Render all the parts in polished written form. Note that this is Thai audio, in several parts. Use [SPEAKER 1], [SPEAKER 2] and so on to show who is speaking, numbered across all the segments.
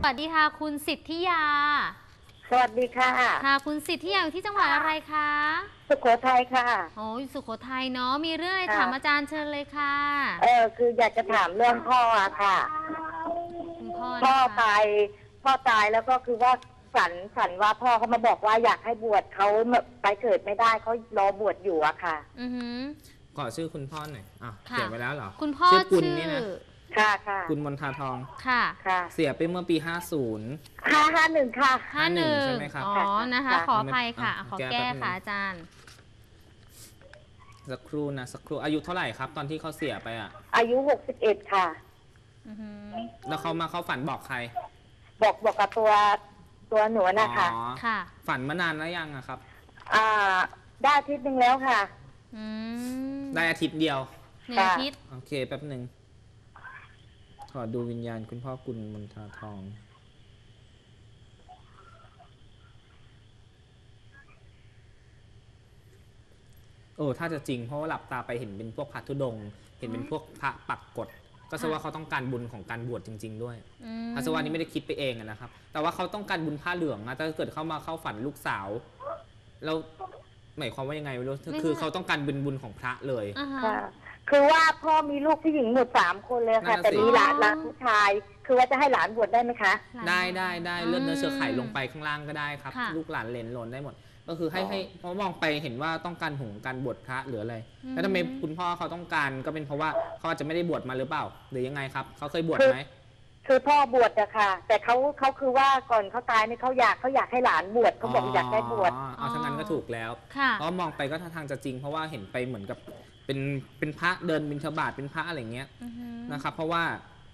[SPEAKER 1] วัสดีค่ะคุณสิทธิยา
[SPEAKER 2] สวัสดีค่ะ
[SPEAKER 1] ค่ะคุณสิทธิยาอยู่ที่จังหวัดอะไรคะ
[SPEAKER 2] สุโขทัยค่ะ
[SPEAKER 1] โอ้ยสุโขทัยเนาะมีเรื่องอะไร
[SPEAKER 2] ค่ะ
[SPEAKER 1] ถามอาจารย์เชิญเลยค่ะ
[SPEAKER 2] คืออยากจะถามเรื่องพ่ออะค่ะ
[SPEAKER 1] คุณพ่อ
[SPEAKER 2] พ่อ
[SPEAKER 1] นะคะ
[SPEAKER 2] ตายพ่อตายแล้วก็คือว่าฝันว่าพ่อเขามาบอกว่าอยากให้บวชเขาไปเกิดไม่ได้เขารอบวชอยู่อะค่ะ
[SPEAKER 1] อือหือ
[SPEAKER 3] ขอชื่อคุณพ่อหน่อยเขี
[SPEAKER 1] ค่ะ
[SPEAKER 3] ยนไว้แล้วเหรอ
[SPEAKER 1] คุณพ่อ
[SPEAKER 3] ชื่อกุล
[SPEAKER 1] ชื่อ
[SPEAKER 3] นี่นะ
[SPEAKER 2] ค่ะค่ะ
[SPEAKER 3] กุลมนทาทอง
[SPEAKER 1] ค่ะ
[SPEAKER 2] ค่ะ
[SPEAKER 3] เสียไปเมื่อปี 50
[SPEAKER 2] 551ค่ะ
[SPEAKER 3] ใช่ไหมครับ
[SPEAKER 1] อ๋อนะคะ
[SPEAKER 2] ค่ะ
[SPEAKER 1] ขออภัยค่ะขอ
[SPEAKER 3] แก้
[SPEAKER 1] แก้
[SPEAKER 3] แป๊บนึง
[SPEAKER 1] ค่ะอาจารย์
[SPEAKER 3] สักครู่นะสักครู่อายุเท่าไหร่ครับ ตอนที่เขาเสียไปอ่ะ
[SPEAKER 2] อายุ61ค่ะ
[SPEAKER 1] อือหือ
[SPEAKER 3] แล้วเขามาเข้าฝันบอกใคร
[SPEAKER 2] บอกกับตัวหนูนะคะ
[SPEAKER 1] ค่ะ
[SPEAKER 3] ฝันมานานแล้วยังอะครับ
[SPEAKER 2] ได้อาทิตย์นึงแล้วค่ะ
[SPEAKER 1] อืม
[SPEAKER 3] ได้อาทิตย์เดียว
[SPEAKER 1] หนึ่งอาทิตย์
[SPEAKER 3] โอเคแป๊บหนึ่งขอดูวิญญาณคุณพ่อกุลมนทาทองถ้าจะจริงเพราะว่าหลับตาไปเห็นเป็นพวกพระธุดงค์เห็นเป็นพวกพระปักกฎก็แสดงว่าเขาต้องการบุญของการบวชจริงๆด้วยอาสวานี้ไม่ได้คิดไปเองนะครับ แต่ว่าเขาต้องการบุญผ้าเหลืองนะถ้าเกิดเข้ามาเข้าฝันลูกสาวแล้วหมายความว่ายังไงไม่รู้คือเขาต้องการบุญของพระเลย
[SPEAKER 2] ค่ะคือว่าพ่อมีลูกผู้หญิงหมด3 คนเลยค่ะแต่มีหลานผู้ชายคือว่าจะให้หลานบวชได้ไหมคะ
[SPEAKER 3] ได้เลือดเนื้อเชื้อไขลงไปข้างล่างก็ได้ครับลูกหลานเหลนหลนได้หมดก็คือให้เพราะมองไปเห็นว่าต้องการของการบวชพระหรืออะไรแล้วทำไมคุณพ่อเขาต้องการก็เป็นเพราะว่าเขาอาจจะไม่ได้บวชมาหรือเปล่าหรือยังไงครับเขาเคยบวชไหม
[SPEAKER 2] คือพ่อบวชอะค่ะแต่เขาคือว่าก่อนเขาตายเนี่ยเขาอยากให้หลานบวชเขาบอกอยากได้บวช
[SPEAKER 3] ถ้างั้นก็ถูกแล้วเพราะมองไปก็ท่าทางจะจริงเพราะว่าเห็นไปเหมือนกับเป็นพระเดินบิณฑบาตเป็นพระอะไรเงี้ยนะครับเพราะว่า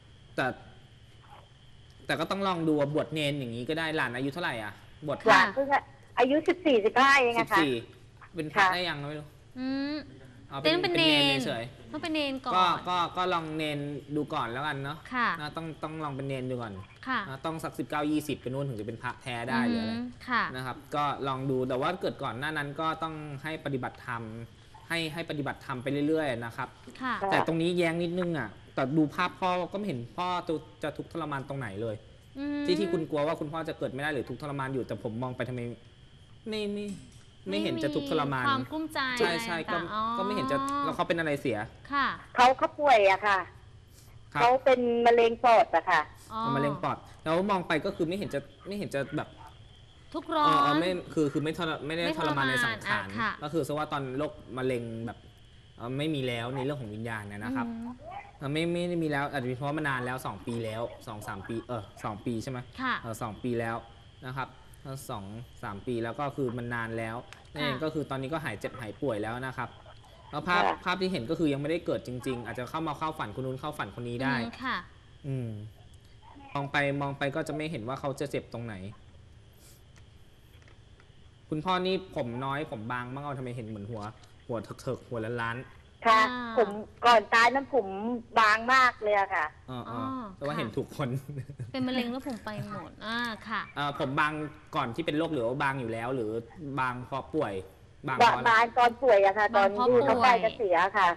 [SPEAKER 3] แต่ก็ต้องลองดูบวชเนนอย่างนี้ก็ได้หลานอายุเท่าไหร่อ่ะบวช
[SPEAKER 2] หลานเพิ่งอายุ14-15เองอะค่ะ
[SPEAKER 3] เป็นพระได้ยังไม่รู้
[SPEAKER 1] เป็นเนน
[SPEAKER 3] เฉย
[SPEAKER 1] ต้องเป็นเนนก่อน
[SPEAKER 3] ก็ลองเนนดูก่อนแล้วกันเนาะต้องลองเป็นเนนดูก่อนต้องสัก19-20ไปนู่นถึงจะเป็นพระแท้ได้หรืออะไรนะครับก็ลองดูแต่ว่าเกิดก่อนหน้านั้นก็ต้องให้ปฏิบัติธรรมให้ปฏิบัติธรรมไปเรื่อยๆนะครับแต่ตรงนี้แย้งนิดนึงอ่ะแต่ดูภาพพ่อก็ไม่เห็นพ่อจะทุกข์ทรมานตรงไหนเลยที่คุณกลัวว่าคุณพ่อจะเกิดไม่ได้หรือทุกข์ทรมานอยู่แต่ผมมองไปทำไมไม่เห็นจะทุกข์ทรมาน
[SPEAKER 1] ความกลุ้มใจ
[SPEAKER 3] ใช่ก็ไม่เห็นจะแล้วเขาเป็นอะไรเสีย
[SPEAKER 1] ค่ะ
[SPEAKER 2] เขาป่วยอะค่ะเขาเป็นมะเร็งปอดอะค่ะ
[SPEAKER 3] มะเร็งปอดแล้วมองไปก็คือไม่เห็นจะแบบ
[SPEAKER 1] ทุกร้อน
[SPEAKER 3] ไม่คือไม่ได้ทรมานในสังขารก็คือซะว่าตอนโรคมะเร็งแบบไม่มีแล้วในเรื่องของวิญญาณนะครับไม่ได้มีแล้วอาจจะเป็นเพราะว่ามานานแล้ว2 ปีแล้ว2-3 ปี2 ปีใช่ไหม2 ปีแล้วนะครับ2-3 ปีแล้วก็คือมันนานแล้วนั่นเองก็คือตอนนี้ก็หายเจ็บหายป่วยแล้วนะครับแล้วภาพที่เห็นก็คือยังไม่ได้เกิดจริงๆอาจจะเข้าฝันคนนู้นเข้าฝันคนนี้ได้
[SPEAKER 1] ค่ะ
[SPEAKER 3] มองไปก็จะไม่เห็นว่าเขาจะเจ็บตรงไหนคุณพ่อนี่ผมน้อยผมบางมากทำไมเห็นเหมือนหัวเถิกหัวล้าน
[SPEAKER 2] ค่ะผมก่อนตายนั้นผมบางมากเลยค่ะ
[SPEAKER 3] แต่ว่าเห็นถูกคน
[SPEAKER 1] เป็นมะเร็งแล้วผมไปหมดค่ะ
[SPEAKER 3] ผมบางก่อนที่เป็นโรคหรือว่าบางอยู่แล้วหรือบางเพราะป่วย
[SPEAKER 2] บางตอนป่วยอะค่ะตอนที่เขาใกล้จะเสียค่ะ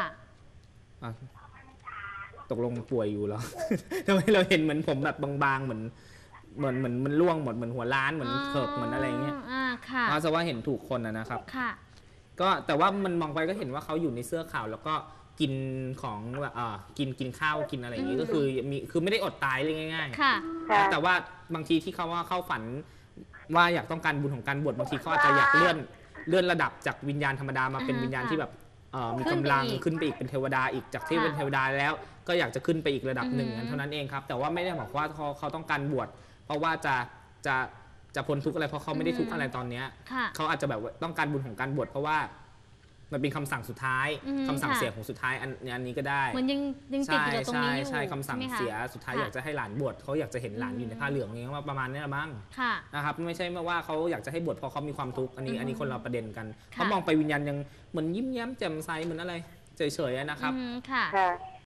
[SPEAKER 3] ตกลงป่วยอยู่เหรอทำไมเราเห็นเหมือนผมแบบบางๆเหมือนมันร่วงหมดเหมือนหัวล้านเหมือนเถิกเหมือนอะไรเงี้ยเพราะว่าเห็นถูกคนนะครับก็แต่ว่ามันมองไปก็เห็นว่าเขาอยู่ในเสื้อขาวแล้วก็กินของกินข้าวกินอะไรอย่างนี้ก็คือไม่ได้อดตายเลยง่ายๆแต่ว่าบางทีที่เขาว่าเข้าฝันว่าอยากต้องการบุญของการบวชบางทีเขาอาจจะอยากเลื่อนระดับจากวิญญาณธรรมดามาเป็นวิญญาณที่แบบมีกำลังขึ้นไปอีกเป็นเทวดาอีกจากที่เป็นเทวดาแล้วก็อยากจะขึ้นไปอีกระดับหนึ่งเท่านั้นเองครับแต่ว่าไม่ได้บอกว่าเขาต้องการบวชเพราะว่าจะพ้นทุกข์อะไรเพราะเขาไม่ได้ทุกข์อะไรตอนนี้เขาอาจจะแบบต้องการบุญของการบวชเพราะว่ามันเป็นคำสั่งสุดท้ายคำสั่งเสียของสุดท้ายอันนี้ก็ได้
[SPEAKER 1] เหมือนยังติดอยู่ตรงนี้อยู่
[SPEAKER 3] ใช่คำสั่งเสียสุดท้ายอยากจะให้หลานบวชเขาอยากจะเห็นหลานอยู่ในผ้าเหลืองอย่างเงี้ยประมาณนี้ละมั้งนะครับไม่ใช่ว่าเขาอยากจะให้บวชเพราะเขามีความทุกข์อันนี้คนเราประเด็นกันเขามองไปวิญญาณยังเหมือนยิ้มแย้มแจ่มใสเหมือนอะไรเฉยๆนะครับ